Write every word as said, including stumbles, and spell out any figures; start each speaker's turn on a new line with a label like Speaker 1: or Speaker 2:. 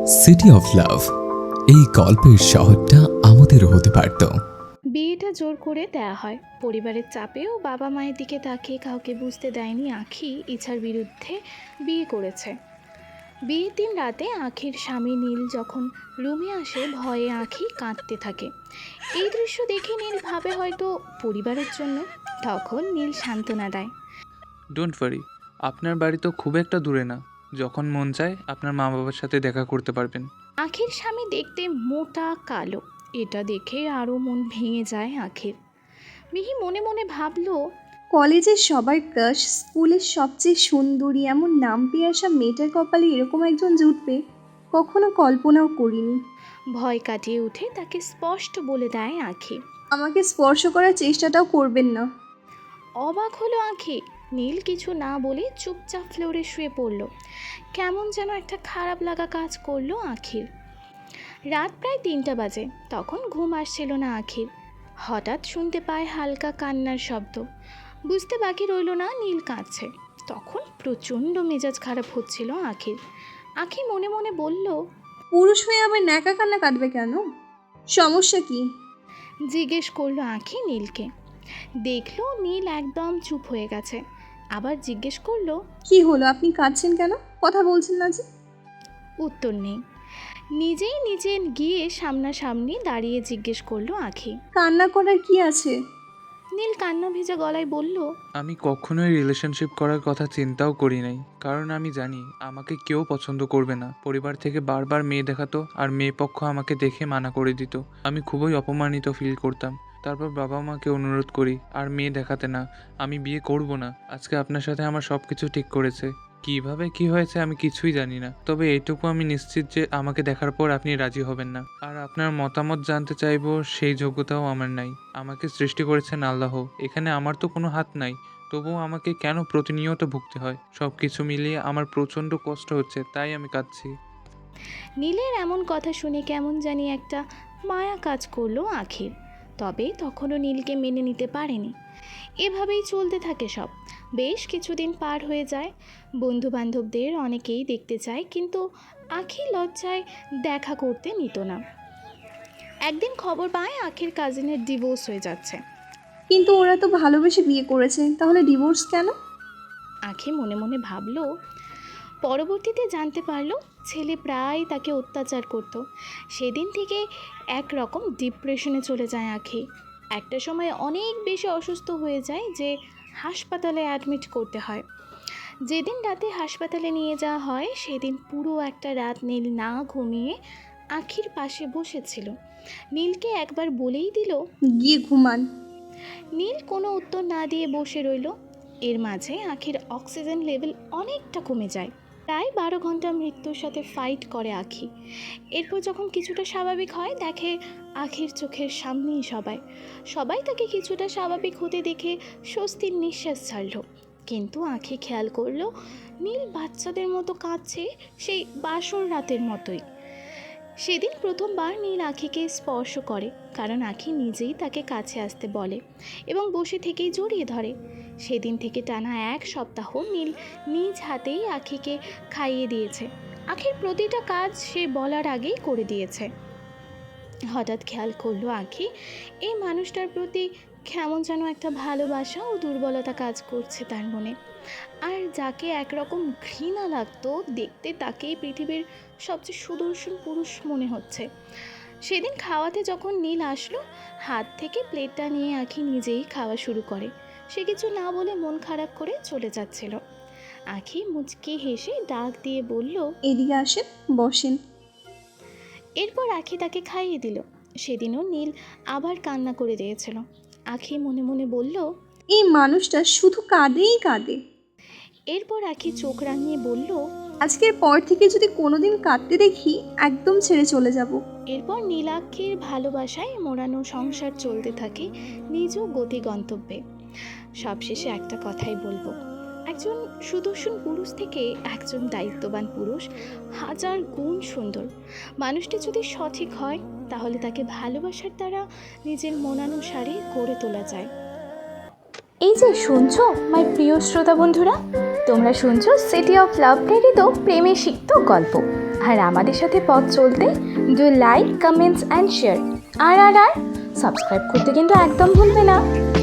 Speaker 1: City of love, এই গল্পের শহরটা আমাদেরও হতে পারত।
Speaker 2: বিয়েটা জোর করে দেয়া হয়। পরিবারের চাপেও বাবা মায়ের দিকে তাকিয়ে কাউকে বুঝতে দেয়নি আঁখি ইচ্ছার বিরুদ্ধে বিয়ে করেছে। বিয়ের দিন রাতে আঁখির স্বামী নীল যখন রুমে আসে ভয়ে আঁখি কাঁদতে থাকে। এই দৃশ্য দেখে নীল ভাবে হয়তো পরিবারের জন্য। তখন নীল সান্ত্বনা দেয়।
Speaker 3: ডোন্ট ওয়ারি, আপনার বাড়ি তো খুব একটা দূরে না। যখন মন চায় আপনার মা বাবার সাথে দেখা করতে পারবেন।
Speaker 2: আঁখির স্বামী দেখতে মোটা কালো, এটা দেখে আরও মন ভেঙে যায় আঁখির। মিহি মনে মনে ভাবলো,
Speaker 4: কলেজের সবার ক্রাশ, স্কুলের সবচেয়ে সুন্দরী এমন নাম পেয়ে আসা মেয়েটার কপালে এরকম একজন জুটবে কখনো কল্পনাও করিনি।
Speaker 2: ভয় কাটিয়ে উঠে তাকে স্পষ্ট বলে দেয় আঁখি।
Speaker 4: আমাকে স্পর্শ করার চেষ্টাটাও করবেন না।
Speaker 2: অবাক হলো আঁখি। নীল কিছু না বলে চুপচাপ ফ্লোরে শুয়ে পড়ল। কেমন যেন একটা খারাপ লাগা কাজ করলো আঁখির। রাত প্রায় তিনটা বাজে। তখন ঘুম আসছিল না আঁখির। হঠাৎ শুনতে পায় হালকা কান্নার শব্দ। বুঝতে বাকি রইল না নীল কাঁদছে। তখন প্রচণ্ড মেজাজ খারাপ হচ্ছিল আঁখির। আঁখি মনে মনে বলল,
Speaker 4: পুরুষ হয়ে আবার ন্যাকা কান্না কাটবে কেন? সমস্যা কি?
Speaker 2: জিজ্ঞেস করলো আঁখি নীলকে। দেখলো নীল একদম চুপ হয়ে গেছে। আবার জিজ্ঞেস করলো,
Speaker 4: কি হলো, আপনি কাঁদছেন কেন? কথা বলছেন না যে?
Speaker 2: উত্তর নেই। নিজেই নিজে গিয়ে সামনাসামনি দাঁড়িয়ে জিজ্ঞেস করলো আঁখি।
Speaker 4: কান্না করার কি আছে?
Speaker 2: নীল কান্না ভেজা গলায় বলল,
Speaker 3: আমি কখনোই রিলেশনশিপ করার কথা চিন্তাও করি নাই, কারণ আমি জানি আমাকে কেউ পছন্দ করবে না। পরিবার থেকে বারবার মেয়ে দেখাতো আর মেয়ে পক্ষ আমাকে দেখে মানা করে দিত। আমি খুবই অপমানিত ফিল করতাম। তারপর বাবা মাকে অনুরোধ করি আর মেয়ে দেখাতে না, আমি বিয়ে করব না। আজকে আপনার সাথে আমার সব কিছু ঠিক করেছে। কিভাবে কি হয়েছে আমি কিছুই জানি না, তবে এইটুকু আমি নিশ্চিত যে আমাকে দেখার পর আপনি রাজি হবেন না। আর আপনার মতামত জানতে চাইবো সেই যোগ্যতাও আমার নাই। আমাকে সৃষ্টি করেছেন আল্লাহ, এখানে আমার তো কোনো হাত নাই। তবুও আমাকে কেন প্রতিনিয়ত ভুগতে হয়? সব কিছু মিলিয়ে আমার প্রচণ্ড কষ্ট হচ্ছে, তাই আমি কাঁদছি।
Speaker 2: নীলের এমন কথা শুনে কেমন জানি একটা মায়া কাজ করলো আঁখির। তবে তখনও নীলকে মেনে নিতে পারেনি। এভাবেই চলতে থাকে সব। বেশ কিছুদিন পার হয়ে যায়। বন্ধু বান্ধবদের অনেকেই দেখতে চায়, কিন্তু আঁখি লজ্জায় দেখা করতে নিত না। একদিন খবর পায় আঁখির কাজিনের ডিভোর্স হয়ে যাচ্ছে।
Speaker 4: কিন্তু ওরা তো ভালোবেসে বিয়ে করেছে, তাহলে ডিভোর্স কেন?
Speaker 2: আঁখি মনে মনে ভাবলো। পরবর্তীতে জানতে পারলো ছেলে প্রায় তাকে অত্যাচার করত। সেদিন থেকে একরকম ডিপ্রেশনে চলে যায় আঁখি। একটা সময় অনেক বেশি অসুস্থ হয়ে যায় যে হাসপাতালে অ্যাডমিট করতে হয়। যেদিন রাতে হাসপাতালে নিয়ে যাওয়া হয় সেদিন পুরো একটা রাত নীল না ঘুমিয়ে আঁখির পাশে বসেছিল। নীলকে একবার বলেই দিল।
Speaker 4: গিয়ে ঘুমান।
Speaker 2: নীল কোনো উত্তর না দিয়ে বসে রইল। এর মাঝে আঁখির অক্সিজেন লেভেল অনেকটা কমে যায়। প্রায় বারো ঘন্টা মৃত্যুর সাথে ফাইট করে আঁখি। এরপর যখন কিছুটা স্বাভাবিক হয় দেখে আঁখির চোখের সামনেই সবাই সবাই তাকে কিছুটা স্বাভাবিক হতে দেখে স্বস্তির নিঃশ্বাস ছাড়ল। কিন্তু আঁখি খেয়াল করলো নীল বাচ্চাদের মতো কাঁদছে, সেই বাসর রাতের মতোই। সেদিন প্রথমবার নীল আঁখিকে স্পর্শ করে, কারণ আঁখি নিজেই তাকে কাছে আসতে বলে এবং বসে থেকেই জড়িয়ে ধরে। সেদিন থেকে টানা এক সপ্তাহ নীল নিজ হাতেই আঁখিকে খাইয়ে দিয়েছে। আঁখির প্রতিটা কাজ সে বলার আগেই করে দিয়েছে। হঠাৎ খেয়াল করলো আঁখি এই মানুষটার প্রতি কেমন যেন একটা ভালোবাসা ও দুর্বলতা কাজ করছে তার মনে। আর যাকে একরকম ঘৃণা লাগতো দেখতে, তাকেই পৃথিবীর সবচেয়ে সুদর্শন পুরুষ মনে হচ্ছে। সেদিন খাওয়াতে যখন নীল আসলো, হাত থেকে প্লেটটা নিয়ে আঁখি নিজেই খাওয়া শুরু করে। সে কিছু না বলে মন খারাপ করে চলে যাচ্ছিল। আঁখি মুচকি হেসে ডাক দিয়ে বলল,
Speaker 4: এদিকে আসেন, বসেন।
Speaker 2: এরপর আঁখি তাকে খাইয়ে দিল। সেদিনও নীল আবার কান্না করে দিয়েছিল। আঁখি মনে মনে বলল,
Speaker 4: এই মানুষটা শুধু কাঁদেই কাঁদে।
Speaker 2: এরপর আঁখি চোখ রাঙিয়ে বলল,
Speaker 4: আজকের পর থেকে যদি কোনোদিন কাঁদতে দেখি একদম ছেড়ে চলে যাব।
Speaker 2: এরপর নীলাক্ষীর ভালোবাসায় মোড়ানো সংসার চলতে থাকে নিজ গতি গন্তব্যে। সবশেষে একটা কথাই বলবো, একজন সুদর্শন পুরুষ থেকে একজন দায়িত্ববান পুরুষ হাজার গুণ সুন্দর। মানুষটি যদি সঠিক হয় তাহলে তাকে ভালোবাসার দ্বারা নিজের মনানুসারে গড়ে তোলা যায়। এই যে শুনছো মাই প্রিয় শ্রোতা বন্ধুরা, তোমরা শুনছো সিটি অফ লাভ প্রেরিত প্রেমে সিক্ত গল্প। আর আমাদের সাথে পথ চলতে do like, comments and share. আর আর আর সাবস্ক্রাইব করতে কিন্তু একদম ভুলবে না।